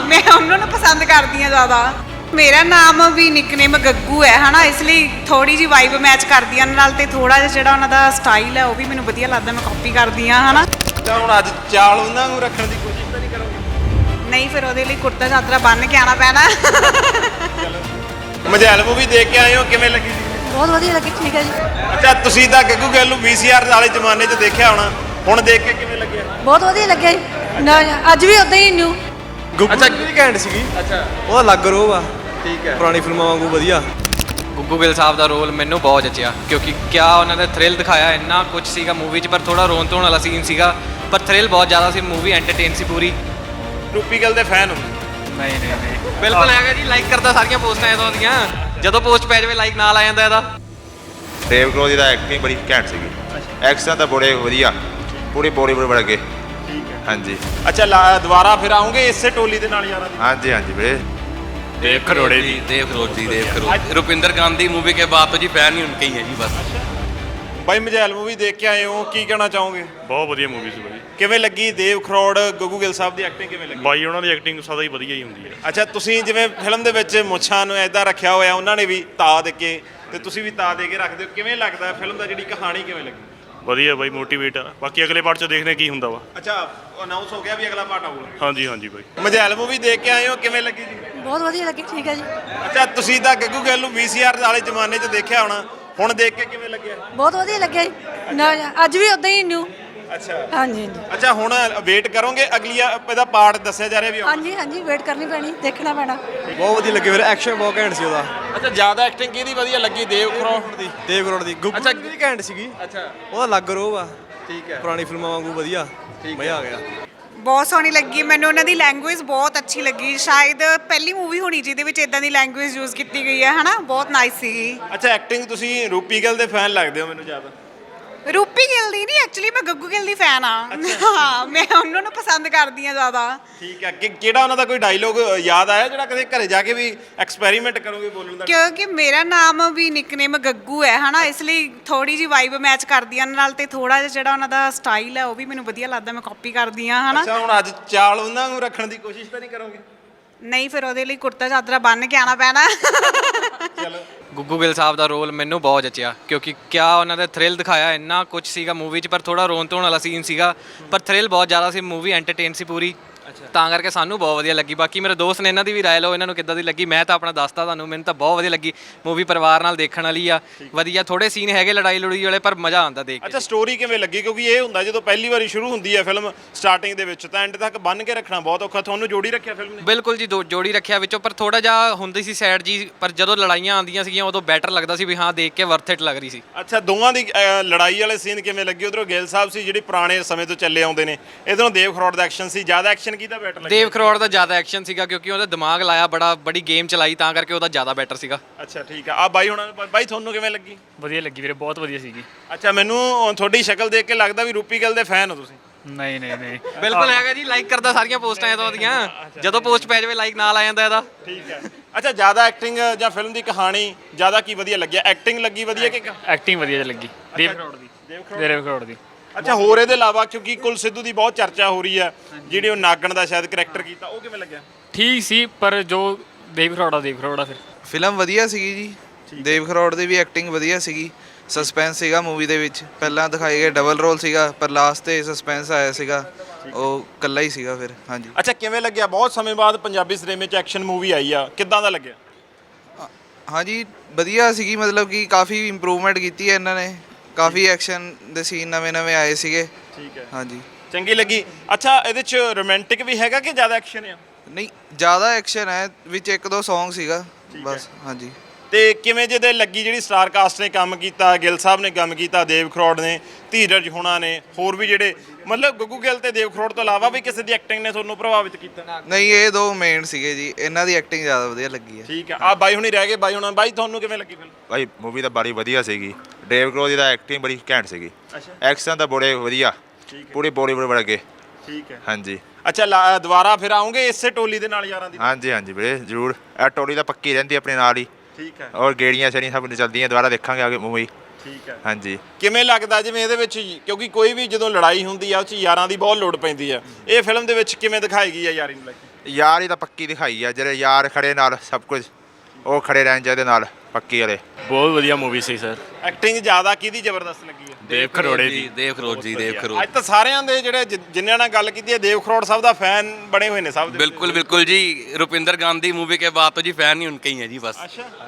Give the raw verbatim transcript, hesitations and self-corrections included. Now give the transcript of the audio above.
मैं उन्होंने पसंद करती हाँ ज़्यादा। मेरा नाम भी निकनेम गग्गू है है ना, इसलिए थोड़ी जी वाइब मैच करदी नाल ते थोड़ा जिहा जिहड़ा उन्हां दा स्टाइल है वो भी मैनूं वधिया लगदा, मैं कॉपी करदी हाँ है ना। ਤਾਂ ਹੁਣ ਅੱਜ ਚਾਲ ਉਹਨਾਂ ਨੂੰ ਰੱਖਣ ਦੀ ਕੋਸ਼ਿਸ਼ ਤਾਂ ਨਹੀਂ ਕਰੋਗੇ? नहीं फिर ਉਹਦੇ ਲਈ ਕੁੜਤਾ ਚਾਦਰਾ ਬੰਨ ਕੇ ਆਣਾ ਪੈਣਾ। ਮਜੈਲ ਮੂਵੀ ਦੇਖ ਕੇ ਆਏ ਹੋ, ਕਿਵੇਂ ਲੱਗੀ ਜੀ? ਬਹੁਤ ਵਧੀਆ ਲੱਗੀ, ਠੀਕ ਹੈ ਜੀ। ਅੱਛਾ, ਤੁਸੀਂ ਤਾਂ ਗੱਗੂ ਗਿੱਲ ਨੂੰ ਵੀਸੀਆਰ ਵਾਲੇ ਜ਼ਮਾਨੇ 'ਚ ਦੇਖਿਆ ਹੋਣਾ, ਹੁਣ ਦੇਖ ਕੇ ਕਿਵੇਂ ਲੱਗਿਆ? ਬਹੁਤ ਵਧੀਆ ਲੱਗਿਆ ਜੀ, ਨਾ ਅੱਜ ਵੀ ਉਦਾਂ ਹੀ ਨਿਊ। ਅੱਛਾ ਵੀ ਘੈਂਟ ਸੀਗੀ। ਅੱਛਾ, ਉਹਦਾ ਅਲੱਗ ਰੋਹ ਆ, ਠੀਕ ਹੈ। ਪੁਰਾਣੀ ਫਿਲਮਾਂ ਵਾਂਗੂ ਵਧੀਆ। ਗੁੱਗੂ ਗਿੱਲ ਸਾਹਿਬ ਦਾ ਰੋਲ ਮੈਨੂੰ ਬਹੁਤ ਜਚਿਆ, ਕਿਉਂਕਿ ਕਿਆ ਉਹਨਾਂ ਨੇ ਥ੍ਰਿਲ ਦਿਖਾਇਆ, ਇੰਨਾ ਕੁਝ ਸੀਗਾ ਮੂਵੀ 'ਚ, ਪਰ ਥੋੜਾ ਰੋਣ ਧੋਣ ਵਾਲਾ ਸੀਨ ਸੀਗਾ, ਪਰ ਥ੍ਰਿਲ ਬਹੁਤ ਜ਼ਿਆਦਾ ਸੀ, ਮੂਵੀ ਐਂਟਰਟੇਨ ਸੀ ਪੂਰੀ। ਰੂਪੀ ਗਿੱਲ ਦੇ ਫੈਨ ਹੋ? ਨਹੀਂ ਨਹੀਂ ਨਹੀਂ ਬਿਲਕੁਲ ਹੈਗਾ ਜੀ, ਲਾਈਕ ਕਰਦਾ ਸਾਰੀਆਂ ਪੋਸਟਾਂ ਇਹਦੋਂ ਦੀਆਂ, ਜਦੋਂ ਪੋਸਟ ਪੈ ਜਾਵੇ ਲਾਈਕ ਨਾਲ ਆ ਜਾਂਦਾ ਇਹਦਾ। ਦੇਵ ਗਰੋਦੀ ਦਾ ਐਕਟਿੰਗ ਬੜੀ ਘੈਂਟ ਸੀਗੀ, ਐਕਸ਼ਨ ਤਾਂ ਬੜੇ ਵਧੀਆ, ਪੂਰੀ ਬੋਡੀ ਬੜੇ ਬੜ ਗਏ। ਠੀਕ ਹੈ। ਹਾਂਜੀ ਅੱਛਾ, ਲਾ- ਦੁਬਾਰਾ ਫਿਰ ਆਉਂਗੇ ਇਸੇ ਟੋਲੀ ਦੇ ਨਾਲ ਯਾਰਾਂ ਦੀ? ਹਾਂਜੀ ਹਾਂਜੀ ਵੀਰੇ। देव खरोड़े जी, देव खरोड़ जी, देव खरोड़। रुपिंदर गांधी मूवी के बाद तो जी फैन ही उनके ही है जी बस। ਬਾਈ ਮਜੈਲ ਮੂਵੀ ਦੇਖ ਕੇ ਆਏ ਹੋ, ਕੀ ਕਹਿਣਾ ਚਾਹੋਗੇ? ਬਹੁਤ ਵਧੀਆ ਮੂਵੀ ਸੀ ਬਾਈ। ਕਿਵੇਂ ਲੱਗੀ ਦੇਵ ਖਰੋੜ ਗੱਗੂ ਗਿੱਲ ਸਾਹਿਬ ਦੀ ਐਕਟਿੰਗ ਕਿਵੇਂ ਲੱਗੀ? ਬਾਈ ਉਹਨਾਂ ਦੀ ਐਕਟਿੰਗ ਸਦਾ ਹੀ ਵਧੀਆ ਹੀ ਹੁੰਦੀ ਹੈ। ਅੱਛਾ, ਤੁਸੀਂ ਜਿਵੇਂ ਫਿਲਮ ਦੇ ਵਿੱਚ ਮੁੱਛਾਂ ਨੂੰ ਐਦਾਂ ਰੱਖਿਆ ਹੋਇਆ, ਉਹਨਾਂ ਨੇ ਵੀ ਤਾ ਦੇ ਕੇ ਤੇ ਤੁਸੀਂ ਵੀ ਤਾ ਦੇ ਕੇ ਰੱਖਦੇ ਹੋ, ਕਿਵੇਂ ਲੱਗਦਾ ਫਿਲਮ ਦਾ ਜਿਹੜੀ ਕਹਾਣੀ ਕਿਵੇਂ ਲੱਗੀ? ਵਧੀਆ ਬਾਈ, ਮੋਟੀਵੇਟ ਆ। ਬਾਕੀ ਅਗਲੇ ਪਾਰਟ 'ਚ ਦੇਖਦੇ ਕੀ ਹੁੰਦਾ ਵਾ। ਅੱਛਾ, ਅਨਾਉਂਸ ਹੋ ਗਿਆ ਵੀ ਅਗਲਾ ਪਾਰਟ ਆਊਗਾ? ਹਾਂਜੀ ਹਾਂਜੀ ਬਾਈ। ਮਜੈਲ ਮੂਵੀ ਦੇਖ ਕੇ ਆਏ ਹੋ, ਕਿਵੇਂ ਲੱਗੀ ਜੀ? ਬਹੁਤ ਵਧੀਆ ਲੱਗੀ, ਠੀਕ ਹੈ ਜੀ। ਅੱਛਾ, ਤੁਸੀਂ ਤਾਂ ਗੱਗੂ ਗਿੱਲ ਨੂੰ ਵੀਸੀਆਰ ਵਾਲੇ ਜ਼ਮਾਨੇ 'ਚ ਦੇਖਿਆ ਹੋਣਾ, ਹੁਣ ਦੇਖ ਕੇ ਕਿਵੇਂ ਲੱਗਿਆ? ਬਹੁਤ ਵਧੀਆ ਲੱਗਿਆ ਜੀ, ਨਾ ਅੱਜ ਵੀ ਉਦਾਂ ਹੀ ਨਿਊ। ਅੱਛਾ ਹਾਂਜੀ ਹਾਂਜੀ ਅੱਛਾ, ਹੁਣ ਵੇਟ ਕਰੋਗੇ ਅਗਲੀ ਇਹਦਾ ਪਾਰਟ ਦੱਸਿਆ ਜਾ ਰਿਹਾ ਵੀ ਆਊਗਾ? ਹਾਂਜੀ ਹਾਂਜੀ ਵੇਟ ਕਰਨੀ ਪੈਣੀ, ਦੇਖਣਾ ਪੈਣਾ। ਬਹੁਤ ਵਧੀਆ ਲੱਗੀ ਵੀਰੇ, ਐਕਸ਼ਨ ਬਹੁਤ ਘੈਂਟ ਸੀ ਉਹਦਾ। ਅੱਛਾ, ਜ਼ਿਆਦਾ ਐਕਟਿੰਗ ਕਿਹਦੀ ਵਧੀਆ ਲੱਗੀ? ਦੇਵ ਖਰੋੜ ਦੀ ਦੇਵ ਕਰੋੜ ਦੀ। ਗੁੱਗੂ ਅੱਛਾ, ਵੀ ਘੈਂਟ ਸੀਗੀ। ਅੱਛਾ, ਉਹਦਾ ਅਲੱਗ ਰੋਹ ਆ, ਠੀਕ ਹੈ। ਪੁਰਾਣੀ ਫਿਲਮਾਂ ਵਾਂਗੂ ਵਧੀਆ, ਮਜ਼ਾ ਆ ਗਿਆ। ਬਹੁਤ ਸੋਹਣੀ ਲੱਗੀ ਮੈਨੂੰ, ਉਹਨਾਂ ਦੀ ਲੈਂਗੁਏਜ ਬਹੁਤ ਅੱਛੀ ਲੱਗੀ, ਸ਼ਾਇਦ ਪਹਿਲੀ ਮੂਵੀ ਹੋਣੀ ਜਿਹਦੇ ਵਿੱਚ ਇਦਾਂ ਦੀ ਲੈਂਗੁਏਜ ਯੂਜ਼ ਕੀਤੀ ਗਈ ਹੈ ਹਨਾ, ਬਹੁਤ ਨਾਈਸ ਸੀਗੀ। ਅੱਛਾ, ਐਕਟਿੰਗ ਤੁਸੀਂ ਰੂਪੀ ਗਿੱਲ ਦੇ ਫੈਨ ਲੱਗਦੇ ਹੋ ਮੈਨੂੰ ਜ਼ਿਆਦਾ। ਰੂਪੀ ਗਿੱਲ ਦੀ ਨਹੀਂ, ਐਕਚੁਅਲੀ ਮੈਂ ਗੱਗੂ ਗਿੱਲ ਦੀ ਫੈਨ ਆ। ਹਾਂ, ਮੈਂ ਉਹਨਾਂ ਨੂੰ ਪਸੰਦ ਕਰਦੀ ਹਾਂ ਜ਼ਿਆਦਾ। ਠੀਕ ਹੈ। ਕਿ ਕਿਹੜਾ ਉਹਨਾਂ ਦਾ ਕੋਈ ਡਾਇਲੋਗ ਯਾਦ ਆਇਆ ਜਿਹੜਾ ਕਦੇ ਘਰੇ ਜਾ ਕੇ ਵੀ ਐਕਸਪੈਰੀਮੈਂਟ ਕਰੋਗੇ ਬੋਲਣ ਦਾ? ਕਿਉਂਕਿ ਮੇਰਾ ਨਾਮ ਵੀ ਨਿਕਨੇਮ ਗੱਗੂ ਹੈ ਹੈ ਨਾ, ਇਸ ਲਈ ਥੋੜੀ ਜੀ ਵਾਈਬ ਮੈਚ ਕਰਦੀ ਨਾਲ ਤੇ ਥੋੜਾ ਜਿਹਾ ਜਿਹੜਾ ਉਹਨਾਂ ਦਾ ਸਟਾਈਲ ਹੈ ਉਹ ਵੀ ਮੈਨੂੰ ਵਧੀਆ ਲੱਗਦਾ, ਮੈਂ ਕਾਪੀ ਕਰਦੀ ਹਾਂ ਹੈ ਨਾ। ਅੱਛਾ, ਹੁਣ ਅੱਜ ਚਾਲ ਉਹਨਾਂ ਨੂੰ ਰੱਖਣ ਦੀ ਕੋਸ਼ਿਸ਼ ਤਾਂ ਨਹੀਂ ਕਰੋਗੇ? ਨਹੀਂ ਫਿਰ ਉਹਦੇ ਲਈ ਕੁੜਤਾ ਚਾਦਰਾ ਬੰਨ ਕੇ ਆਣਾ ਪੈਣਾ। ਚਲੋ। ਗੁੱਗੂ ਗਿੱਲ ਸਾਹਿਬ ਦਾ ਰੋਲ ਮੈਨੂੰ ਬਹੁਤ ਜਚਿਆ, ਕਿਉਂਕਿ ਕਿਆ ਉਹਨਾਂ ਨੇ ਥ੍ਰਿਲ ਦਿਖਾਇਆ, ਇੰਨਾ ਕੁਝ ਸੀਗਾ ਮੂਵੀ 'ਚ, ਪਰ ਥੋੜਾ ਰੋਣ ਧੋਣ ਵਾਲਾ ਸੀਨ ਸੀਗਾ, ਪਰ ਥ੍ਰਿਲ ਬਹੁਤ ਜ਼ਿਆਦਾ ਸੀ, ਮੂਵੀ ਐਂਟਰਟੇਨ ਸੀ ਪੂਰੀ, ਤਾਂ ਕਰਕੇ ਸਾਨੂੰ ਬਹੁਤ ਵਧੀਆ ਲੱਗੀ। ਬਾਕੀ ਮੇਰੇ ਦੋਸਤ ਨੇ ਇਹਨਾਂ ਦੀ ਵੀ ਰਾਏ ਲਓ, ਇਹਨਾਂ ਨੂੰ ਕਿੱਦਾਂ ਦੀ ਲੱਗੀ। ਮੈਂ ਤਾਂ ਆਪਣਾ ਦੱਸਤਾ ਤੁਹਾਨੂੰ, ਮੈਨੂੰ ਤਾਂ ਬਹੁਤ ਵਧੀਆ ਲੱਗੀ ਮੂਵੀ, ਪਰਿਵਾਰ ਨਾਲ ਦੇਖਣ ਵਾਲੀ ਆ, ਵਧੀਆ। ਥੋੜੇ ਸੀਨ ਹੈਗੇ ਲੜਾਈ ਲੜੂਈ ਵਾਲੇ, ਪਰ ਮਜ਼ਾ ਆਉਂਦਾ ਦੇਖ ਕੇ। ਅੱਛਾ, ਸਟੋਰੀ ਕਿਵੇਂ ਲੱਗੀ? ਕਿਉਂਕਿ ਇਹ ਹੁੰਦਾ ਜਦੋਂ ਪਹਿਲੀ ਵਾਰੀ ਸ਼ੁਰੂ ਹੁੰਦੀ ਹੈ ਫਿਲਮ ਸਟਾਰਟਿੰਗ ਦੇ ਵਿੱਚ ਤਾਂ ਐਂਡ ਤੱਕ ਬੰਨ ਕੇ ਰੱਖਣਾ ਬਹੁਤ ਔਖਾ, ਤੁਹਾਨੂੰ ਜੋੜੀ ਰੱਖਿਆ ਫਿਲਮ ਨੇ? ਬਿਲਕੁਲ ਜੀ, ਦੋ ਜੋੜੀ ਰੱਖਿਆ ਵਿੱਚੋਂ, ਪਰ ਥੋੜਾ ਜਿਹਾ ਹੁੰਦੀ ਸੀ ਸੈਡ ਜੀ, ਪਰ ਜਦੋਂ ਲੜਾਈਆਂ ਆਉਂਦੀਆਂ ਸੀਗੀਆਂ ਉਦੋਂ ਬੈਟਰ ਲੱਗਦਾ ਸੀ ਵੀ ਹਾਂ, ਦੇਖ ਕੇ ਵਰਥ ਇਟ ਲੱਗ ਰਹੀ ਸੀ। ਅੱਛਾ, ਦੋਵਾਂ ਦੀ ਅਹ, ਲੜਾਈ ਵਾਲੇ ਸੀਨ ਕਿਵੇਂ ਲੱਗੇ? ਉਧਰੋਂ ਗਿੱਲ ਸਾਹਿਬ ਸੀ ਜਿਹੜੇ ਪੁਰਾਣੇ ਸਮੇਂ ਤੋਂ ਚੱਲੇ ਆਉਂਦੇ ਨੇ, ਇਧਰੋਂ ਦੇਵ ਖਰੋੜ ਦਾ ਐਕਸ਼ਨ ਸੀ, ਜ਼ਿਆਦਾ ਐਕਸ਼ਨ ਕਿਹਦਾ ਬੈਟਰ ਲੱਗਿਆ? ਦੇਵ ਖਰੋੜ ਦਾ ਜ਼ਿਆਦਾ ਐਕਸ਼ਨ ਸੀਗਾ, ਕਿਉਂਕਿ ਉਹਦਾ ਦਿਮਾਗ ਲਾਇਆ, ਬੜਾ ਬੜੀ ਗੇਮ ਚਲਾਈ, ਤਾਂ ਕਰਕੇ ਉਹਦਾ ਜ਼ਿਆਦਾ ਬੈਟਰ ਸੀਗਾ। ਅੱਛਾ, ਠੀਕ ਆ। ਆ ਬਾਈ ਹੁਣ ਬਾਈ ਤੁਹਾਨੂੰ ਕਿਵੇਂ ਲੱਗੀ? ਵਧੀਆ ਲੱਗੀ ਵੀਰੇ, ਬਹੁਤ ਵਧੀਆ ਸੀਗੀ। ਅੱਛਾ, ਮੈਨੂੰ ਤੁਹਾਡੀ ਸ਼ਕਲ ਦੇਖ ਕੇ ਲੱਗਦਾ ਵੀ ਰੂਪੀ ਗਿੱਲ ਦੇ ਫੈਨ ਹੋ ਤੁਸੀਂ? ਨਹੀਂ ਨਹੀਂ ਨਹੀਂ ਬਿਲਕੁਲ ਹੈਗਾ ਜੀ, ਲਾਈਕ ਕਰਦਾ ਸਾਰੀਆਂ ਪੋਸਟਾਂ ਇਹਦੋਂ ਦੀਆਂ, ਜਦੋਂ ਪੋਸਟ ਪੈ ਜਾਵੇ ਲਾਈਕ ਨਾਲ ਆ ਜਾਂਦਾ ਇਹਦਾ। ਠੀਕ ਹੈ। ਅੱਛਾ, ਜ਼ਿਆਦਾ ਐਕਟਿੰਗ ਜਾਂ ਫਿਲਮ ਦੀ ਕਹਾਣੀ ਜ਼ਿਆਦਾ ਕੀ ਵਧੀਆ ਲੱਗਿਆ? ਐਕਟਿੰਗ ਲੱਗੀ ਵਧੀਆ ਕਿ? ਐਕਟਿੰਗ ਵਧੀਆ ਲੱਗੀ ਦੇਵ ਕਰੋੜ ਦੀ। ਦੇਵ ਕਰੋੜ ਦੀ। ਅੱਛਾ, ਹੋਰ ਇਹਦੇ ਇਲਾਵਾ ਕਿਉਂਕਿ ਕੁਲ ਸਿੱਧੂ ਦੀ ਬਹੁਤ ਚਰਚਾ ਹੋ ਰਹੀ ਹੈ, ਜਿਹੜੀ ਉਹ ਨਾਗਣ ਦਾ ਸ਼ਾਇਦ ਕਰੈਕਟਰ ਕੀਤਾ, ਉਹ ਕਿਵੇਂ ਲੱਗਿਆ? ਠੀਕ ਸੀ, ਪਰ ਜੋ ਦੇਵ ਕਰੋੜਾ ਦੇਵ ਕਰੋੜਾ ਫਿਰ ਫਿਲਮ ਵਧੀਆ ਸੀਗੀ ਜੀ, ਦੇਵ ਖਰੋੜ ਦੀ ਵੀ ਐਕਟਿੰਗ ਵਧੀਆ ਸੀਗੀ, ਸਸਪੈਂਸ ਸੀਗਾ ਮੂਵੀ ਦੇ ਵਿੱਚ, ਪਹਿਲਾਂ ਦਿਖਾਏ ਗਏ ਡਬਲ ਰੋਲ ਸੀਗਾ, ਪਰ ਲਾਸਟ ਤੇ ਸਸਪੈਂਸ ਆਇਆ ਸੀਗਾ, ਉਹ ਇਕੱਲਾ ਹੀ ਸੀਗਾ ਫਿਰ। ਹਾਂਜੀ। ਅੱਛਾ, ਕਿਵੇਂ ਲੱਗਿਆ? ਬਹੁਤ ਸਮੇਂ ਬਾਅਦ ਪੰਜਾਬੀ ਸਿਨੇਮੇ 'ਚ ਐਕਸ਼ਨ ਮੂਵੀ ਆਈ ਆ, ਕਿੱਦਾਂ ਦਾ ਲੱਗਿਆ? ਹਾਂਜੀ, ਵਧੀਆ ਸੀਗੀ, ਮਤਲਬ ਕਿ ਕਾਫੀ ਇੰਪਰੂਵਮੈਂਟ ਕੀਤੀ ਹੈ ਇਹਨਾਂ ਨੇ, ਕਾਫੀ ਐਕਸ਼ਨ ਦੇ ਸੀਨ ਨਵੇਂ ਨਵੇਂ ਆਏ ਸੀਗੇ। ਠੀਕ ਹੈ। ਹਾਂਜੀ, ਚੰਗੀ ਲੱਗੀ। ਅੱਛਾ, ਇਹਦੇ 'ਚ ਰੋਮਾਂਟਿਕ ਵੀ ਹੈਗਾ ਕਿ ਜ਼ਿਆਦਾ ਐਕਸ਼ਨ ਆ? ਨਹੀਂ ਜ਼ਿਆਦਾ ਐਕਸ਼ਨ ਹੈ, ਵਿੱਚ ਇੱਕ ਦੋ ਸੌਂਗ ਸੀਗਾ ਬਸ। ਹਾਂਜੀ। ਤੇ ਕਿਵੇਂ ਜਿਹਦੇ ਲੱਗੀ ਜਿਹੜੀ ਸਟਾਰ ਕਾਸਟ ਨੇ ਕੰਮ ਕੀਤਾ, ਗਿੱਲ ਸਾਹਿਬ ਨੇ ਕੰਮ ਕੀਤਾ, ਦੇਵ ਖਰੋੜ ਨੇ, ਧੀਰਜ ਹੋਣਾ ਨੇ, ਹੋਰ ਵੀ ਜਿਹੜੇ ਮਤਲਬ ਗੱਗੂ ਗਿੱਲ ਤੇ ਦੇਵ ਖਰੋੜ ਤੋਂ ਇਲਾਵਾ ਵੀ ਕਿਸੇ ਦੀ ਐਕਟਿੰਗ ਨੇ ਤੁਹਾਨੂੰ ਪ੍ਰਭਾਵਿਤ ਕੀਤਾ? ਨਹੀਂ, ਇਹ ਦੋ ਮੇਨ ਸੀਗੇ ਜੀ, ਇਹਨਾਂ ਦੀ ਐਕਟਿੰਗ ਜ਼ਿਆਦਾ ਵਧੀਆ ਲੱਗੀ ਹੈ। ਠੀਕ ਹੈ। ਆ ਬਾਈ ਹੁਣੀ ਰਹਿ ਗਏ, ਬਾਈ ਹੁਣ ਬਾਈ ਤੁਹਾਨੂੰ ਕਿਵੇਂ ਲੱਗੀ ਫਿਲਮ? ਭਾਈ ਮੂਵੀ ਤਾਂ ਬੜੀ ਵਧੀਆ ਸੀਗੀ, ਦੇਵ ਗਰੋਦੀ ਦਾ ਐਕਟਿੰਗ ਬੜੀ ਘੈਂਟ ਸੀਗੀ, ਐਕਸ਼ਨ ਤਾਂ ਬੜੇ ਵਧੀਆ, ਪੂਰੀ ਬੋਡੀ ਬੜੇ ਬੜ ਗਏ। ਠੀਕ ਹੈ। ਹਾਂਜੀ। ਅੱਛਾ, ਲਾ- ਦੁਬਾਰਾ ਫਿਰ ਆਉਂਗੇ ਇਸੇ ਟੋਲੀ ਦੇ ਨਾਲ ਯਾਰਾਂ ਦੀ? ਹਾਂਜੀ ਹਾਂਜੀ ਵੀਰੇ, ਜ਼ਰੂਰ। ਇਹ ਟੋਲੀ ਤਾਂ ਪੱਕੀ ਰਹਿੰਦੀ ਆਪਣੇ ਨਾਲ ਹੀ। ਠੀਕ ਹੈ। ਔਰ ਗੇੜੀਆਂ ਸ਼ੇੜੀਆਂ ਸਭ ਚੱਲਦੀਆਂ, ਦੁਬਾਰਾ ਦੇਖਾਂਗੇ ਅੱਗੇ ਮੂਵੀ। ਠੀਕ ਹੈ। ਹਾਂਜੀ। ਕਿਵੇਂ ਲੱਗਦਾ ਜਿਵੇਂ ਇਹਦੇ ਵਿੱਚ ਕਿਉਂਕਿ ਕੋਈ ਵੀ ਜਦੋਂ ਲੜਾਈ ਹੁੰਦੀ ਆ ਉਹ 'ਚ ਯਾਰਾਂ ਦੀ ਬਹੁਤ ਲੋੜ ਪੈਂਦੀ ਆ, ਇਹ ਫਿਲਮ ਦੇ ਵਿੱਚ ਕਿਵੇਂ ਦਿਖਾਈ ਗਈ ਆ ਯਾਰੀ ਨੂੰ ਲੈ ਕੇ? ਯਾਰ ਹੀ ਤਾਂ ਪੱਕੀ ਦਿਖਾਈ ਆ, ਜਿਹੜੇ ਯਾਰ ਖੜੇ ਨਾਲ ਸਭ ਕੁਝ ਉਹ ਖੜੇ ਰਹਿਣ ਚਾਹੀਦੇ ਨਾਲ ਪੱਕੀ ਵਾਲੇ। ਬਹੁਤ ਵਧੀਆ ਮੂਵੀ ਸੀ ਸਰ। ਐਕਟਿੰਗ ਜ਼ਿਆਦਾ ਕਿਹਦੀ ਜ਼ਬਰਦਸਤ ਲੱਗੀ ਹੈ? ਦੇਵ ਖਰੋੜੇ ਦੀ। ਦੇਵ ਖਰੋੜ ਜੀ ਦੇਵ ਖਰੋੜ ਅੱਜ ਤਾਂ ਸਾਰਿਆਂ ਦੇ ਜਿਹੜੇ ਜਿ- ਜਿਨ੍ਹਾਂ ਨਾਲ ਗੱਲ ਕੀਤੀ ਹੈ ਦੇਵ ਖਰੋੜ ਸਾਹਿਬ ਦਾ ਫੈਨ ਬਣੇ ਹੋਏ ਨੇ ਸਭ ਦੇ। बिल्कुल बिल्कुल जी रुपिंदर गांधी मूवी के बाद तो जी फैन ही उनके ही हैं जी बस। अच्छा